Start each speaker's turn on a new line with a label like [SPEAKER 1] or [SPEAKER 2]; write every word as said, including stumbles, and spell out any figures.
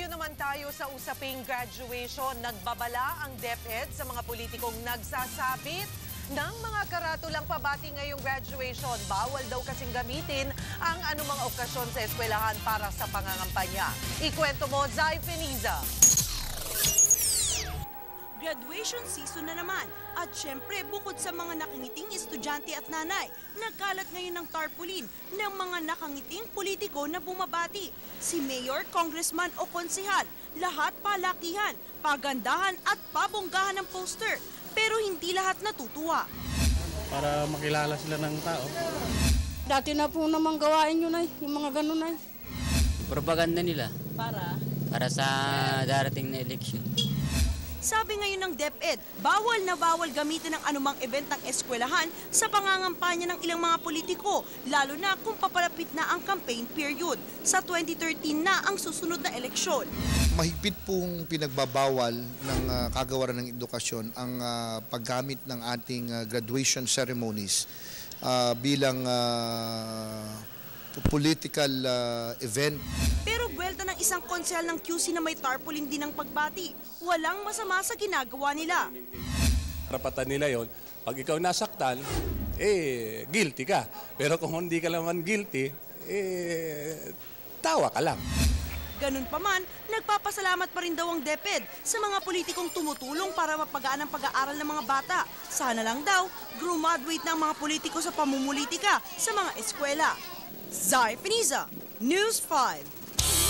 [SPEAKER 1] naman tayo sa usaping graduation. Nagbabala ang DepEd sa mga politikong nagsasabit ng mga karatulang pabati ngayong graduation. Bawal daw kasing gamitin ang anumang okasyon sa eskwelahan para sa pangangampanya. Ikwento mo, Zai Feniza.
[SPEAKER 2] Graduation season na naman. At syempre, bukod sa mga nakangiting estudyante at nanay, nagkalat ngayon ng tarpaulin ng mga nakangiting politiko na bumabati. Si Mayor, Congressman o Konsehal, lahat palakihan, pagandahan at pabonggahan ng poster. Pero hindi lahat natutuwa.
[SPEAKER 3] Para makilala sila ng tao.
[SPEAKER 4] Dati na po namang gawain yun ay, yung mga ganun ay.
[SPEAKER 5] Propaganda nila.
[SPEAKER 2] Para?
[SPEAKER 5] Para sa darating na eleksyon.
[SPEAKER 2] Sabi ngayon ng DepEd, bawal na bawal gamitin ang anumang event ng eskwelahan sa pangangampanya ng ilang mga politiko, lalo na kung papalapit na ang campaign period. Sa twenty thirteen na ang susunod na eleksyon.
[SPEAKER 6] Mahigpit pong pinagbabawal ng uh, kagawaran ng edukasyon ang uh, paggamit ng ating uh, graduation ceremonies uh, bilang uh, political uh, event.
[SPEAKER 2] Pero buwelta ng isang konsehal ng Q C na may tarpaulin din ng pagbati. Walang masama sa ginagawa nila.
[SPEAKER 7] Karapatan nila yon. Pag ikaw nasaktan, eh, guilty ka. Pero kung hindi ka naman guilty, eh, tawa ka lang.
[SPEAKER 2] Ganun pa man, nagpapasalamat pa rin daw ang DepEd sa mga politikong tumutulong para mapagaan ang pag-aaral ng mga bata. Sana lang daw, graduate na ang mga politiko sa pamumulitika sa mga eskwela. Zai Feniza, News five.